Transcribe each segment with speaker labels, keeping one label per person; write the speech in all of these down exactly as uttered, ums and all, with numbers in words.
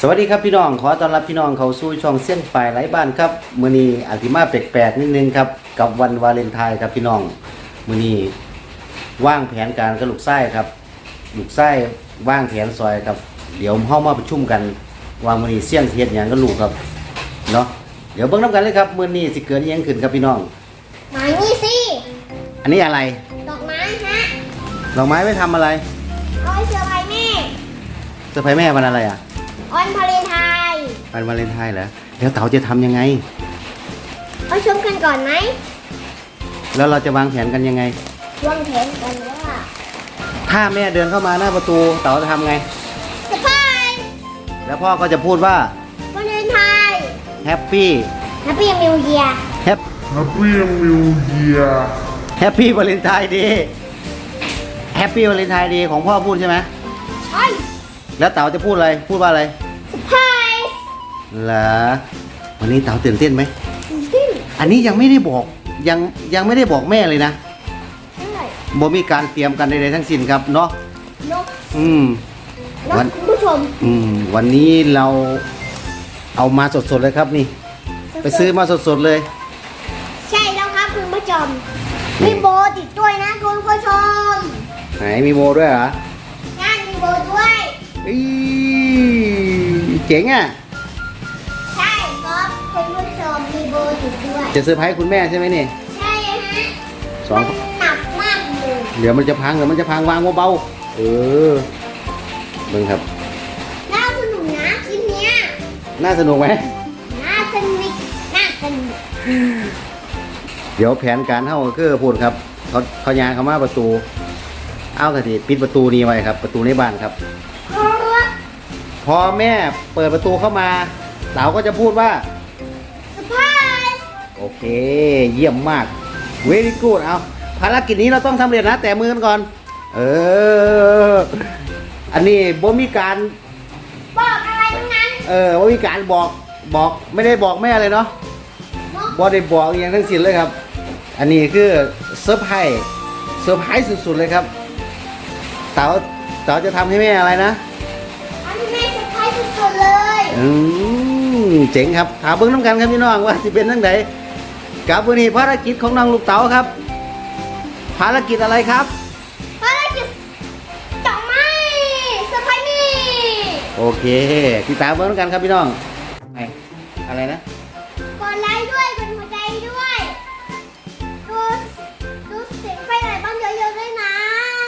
Speaker 1: สวัสดีครับพี่น้องขอต้อนรับพี่น้องเข้าสู่ช่องเส้นฝ่ายไร้บ้านครับมื้อนี้อาทิมาแปลกๆนิดนึงครับกับวันวาเลนไทน์ครับพี่น้องมื้อนี้ว่างแผนการกับลูกไส้ครับลูกไส้ว่างแผนซอยครับเดี๋ยวเฮามาประชุมกันว่ามื้อนี้เสี่ยงสิเฮ็ดหยังกับลูกครับเนาะเดี๋ยวเบิ่งนำกันเลยครับมื้อนี้สิเกิดอิหยังขึ้นครับพี่น้อง
Speaker 2: มานี่สิ
Speaker 1: อันนี้อะไร
Speaker 2: ดอกไม้ฮะ
Speaker 1: ดอกไม้ไว้ทำอะไร
Speaker 2: เอาไว้เซอร์ไพรส์แม่
Speaker 1: เซอร์ไพรส์แม่วันอะไรอ่ะ
Speaker 2: วันวาเลนไทน์
Speaker 1: วันวาเลนไทน์เหรอแล้วเต๋าจะทำยังไง
Speaker 2: เอาชมกันก่อนไหม
Speaker 1: แล้วเราจะวางแผนกันยังไง
Speaker 2: วางแผนกันว่า
Speaker 1: ถ้าแม่เดินเข้ามาหน้าประตูเต๋าจะทำไง
Speaker 2: เซอร์ไพรส์
Speaker 1: แล้วพ่อก็จะพูดว่าว
Speaker 2: าเลนไทน์
Speaker 1: แฮปปี้
Speaker 2: แฮปปี้นิวเยียร์
Speaker 1: แฮป
Speaker 3: Happy New Year
Speaker 1: แฮปปี้วาเลนไทน์เดย์แฮปปี้วาเลนไทน์เดย์ของพ่อพูดใช่ไหม
Speaker 2: ใช่
Speaker 1: แล้วเต๋าจะพูดอะไรพูดว่าอะไร
Speaker 2: เซอร์ไพรส์
Speaker 1: เหรอวันนี้เต๋าตื่นเต้นไหม
Speaker 2: ตื่นเต้น
Speaker 1: อันนี้ยังไม่ได้บอกยังยังไม่ได้บอกแม่เลยนะ
Speaker 2: ใช่
Speaker 1: บ่มีการเตรียมกันใดๆทั้งสิ้นครับเนาะ
Speaker 2: เนาะ
Speaker 1: อืม
Speaker 2: วันคุณผู้ชม
Speaker 1: อืมวันนี้เราเอามาสดๆเลยครับนี่ไปซื้อมาสดๆเลย
Speaker 2: ใช่แล้วครับคุณผู้ชมมีโบติดด้วยนะคุณผู้ชม
Speaker 1: ไหนมีโบด้วยเหรอ
Speaker 2: นั่นมีโบด้วย
Speaker 1: อีเจ๋งอ่ะ
Speaker 2: ใช่ครับคุณผู้ชมมีโบติดด้วย
Speaker 1: จะเซอร์ไพรส์คุณแม่ใช่ไหมนี่
Speaker 2: ใช่ฮะ
Speaker 1: สอง
Speaker 2: หนักมากเลย
Speaker 1: เดี๋ยวมันจะพังเดี๋ยวมันจะพังวางเบาๆเออเบิ่งครับ
Speaker 2: น่าสนุกนะคลิปเนี้ย
Speaker 1: น่าสนุกไหม
Speaker 2: น่าสนุกน่าสนุก
Speaker 1: เดี๋ยวแผนการเท่าคือพูดครับเขาเขายางเขามาประตูเอากระติปิดประตูนี้ไว้ครับประตูในบ้านครับพอแม่เปิดประตูเข้ามาเต๋าก็จะพูดว่า
Speaker 2: เซอร์ไพรส์
Speaker 1: โอเคเยี่ยมมาก very good เอาภารกิจนี้เราต้องทำเร็จนะแต่มือกันก่อนเอออันนี้บ่มีการ
Speaker 2: บอกอะไรทั้งนั้น
Speaker 1: เออบ่มีการบอกบอกไม่ได้บอกแม่เลยเนาะบ่ได้บอกอย่างทั้งสิ้นเลยครับอันนี้คือเซอร์ไพรส์เซอร์ไพรส์สุดๆเลยครับเต๋าเต๋าจะทำให้แม่อะไรนะ
Speaker 2: ทำให้แม่เซอร์ไพรส์สุดๆเลย
Speaker 1: อืมเจ๋งครับถามเบิ้งน้ำกันครับพี่น้องว่าจะเป็นทั้งไหนกับวันนี้ภารกิจของน้องลูกเต๋าครับภารกิจอะไรครับ
Speaker 2: ภารกิจดอกไม้เซอร์ไพรส์นี่
Speaker 1: โอเคติดตามเบิ้งน้ำกันครับพี่น้องไงอะไรนะ
Speaker 2: กดไลค์ด้วยกดหัวใจด้วยดูดูเสียงไฟไหนบ้างเยอะๆด้วยนะ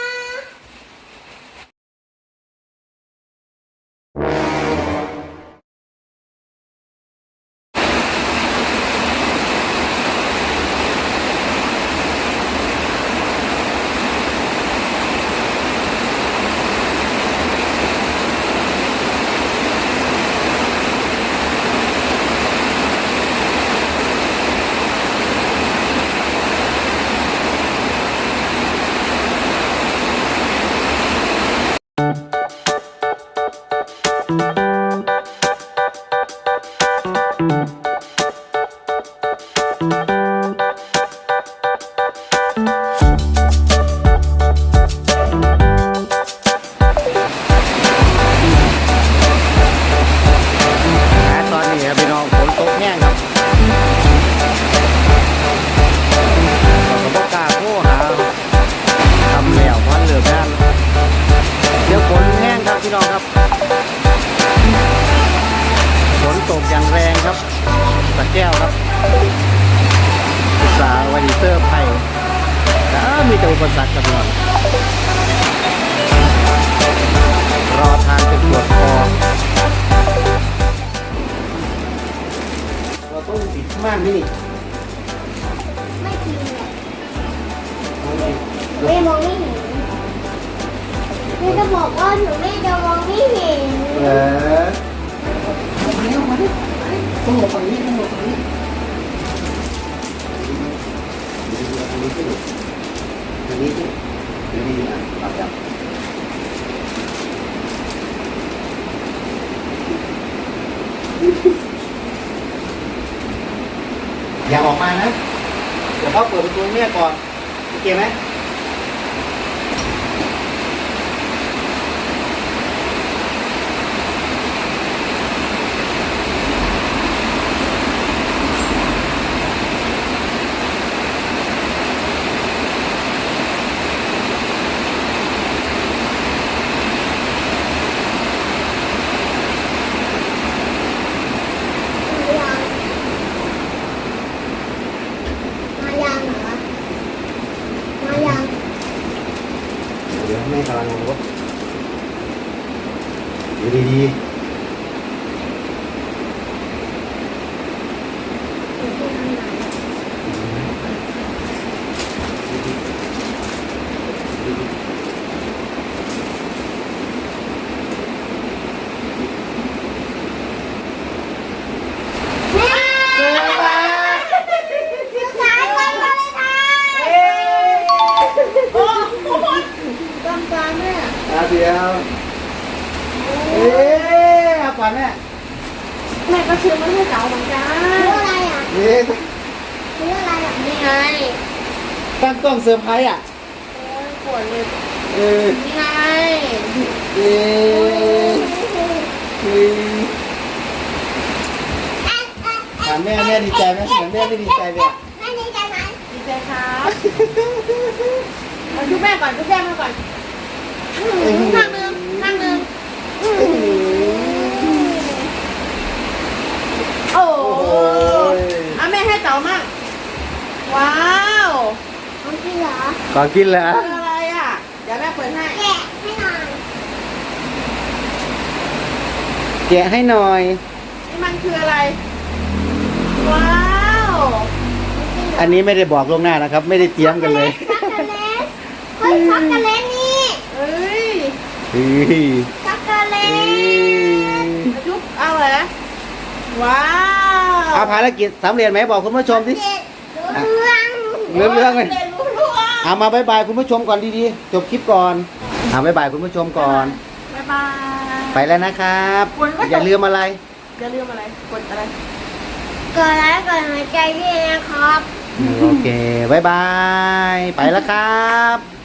Speaker 1: พี่น้องครับฝนตกอย่างแรงครับสระแก้วครับอุตสาห์วันนี้เซอร์ไพรส์แต่มีแต่อุปสรรคกับเรารอทางจะปวดคอเราต้องปิดม่านนี่
Speaker 2: ไม่จริงเลยไม่มองไม่เห็นแม่จะบอกว่าหนูไม่จะมองไม่เห็น
Speaker 1: เออมาดิมาดิต้องหลบฝั่งนี้ต้องหลบฝั่งนี้อันนี้ที่อันนี้ที่อันนี้อ่ะปรับจับอย่าออกมานะเดี๋ยวพ่อเปิดประตูให้แม่ก่อนโอเคไหมเดี๋ยวแม่กำลังลงรถอยู่ดี
Speaker 2: แม่
Speaker 1: ๆเจอมา
Speaker 2: สุดท้ายวันวาเลนไทน์
Speaker 4: โอ้โหตามตาแม่
Speaker 1: อาเดียวเอ๊ะเอาก่อนแม่
Speaker 4: แม่ก็ซื้อมาให้เก๋าเหมือนกัน
Speaker 2: ซื้ออะไรอ่ะ
Speaker 1: เอ๊ะ
Speaker 2: ซื้ออะไรอ่ะ
Speaker 4: นี่ไง
Speaker 1: ตั้งกล้องเซอร์ไพรส์อ่ะ
Speaker 4: โอ้ยปวดเลย
Speaker 1: เออ
Speaker 4: นี่ไง
Speaker 1: เอ๊ะเอ๊ะถามแม่แม่ดีใจไหมเหมือนแม่ไม่ดีใจเลยอ่ะ
Speaker 2: แม่ดีใจไหม
Speaker 4: ดีใจครับมาดูแม่ก่อนดูแม่มาก่อนข้างหนึงข้างหนึงโอ้
Speaker 1: โอ้
Speaker 4: โห
Speaker 1: โห
Speaker 4: อ่ะแม่ให้เต๋ามั่งว้าว
Speaker 2: ของจริงเหรอ
Speaker 1: ขอกินเหรอ
Speaker 4: คืออะไรอ่ะเดี๋ยวแม่เปิดให้
Speaker 2: แกะให้หน่อย
Speaker 1: แกะให้หน่อย
Speaker 4: นี่มันคืออะไรว้าว
Speaker 1: อันนี้ไม่ได้บอกล่วงหน้านะครับ ไม่ได้เตรียมกันเลย
Speaker 2: ช็อกโกแลตเฮ้ยช็อกโกแลตนี่
Speaker 4: เอ้ย
Speaker 1: เฮ้ย
Speaker 2: ช็อกโกแล
Speaker 1: เอ้
Speaker 2: ต
Speaker 1: ย
Speaker 4: จุ๊บเอาเหรอว้าว
Speaker 1: เอาภารกิจสำเร็จไหมบอกคุณผู้ชมสิ
Speaker 2: เด็ดรู้เรื่อง
Speaker 1: เรื่องเรื่องเลย
Speaker 4: เรียนรู้เรื่อง
Speaker 1: เอามาบายบายคุณผู้ชมก่อนดีๆจบคลิปก่อนเอาบายบายคุณผู้ชมก่อน
Speaker 4: บ๊ายบาย
Speaker 1: ไปแล้วนะครับ
Speaker 4: คุณก็จบ
Speaker 1: อย่าลืมอะไร
Speaker 4: อย่าลืมอะไรกดอะไร
Speaker 2: กดไลค์กดหัวใจด้วยนะครับ
Speaker 1: โอเคบายบาย ไปแล้วครับ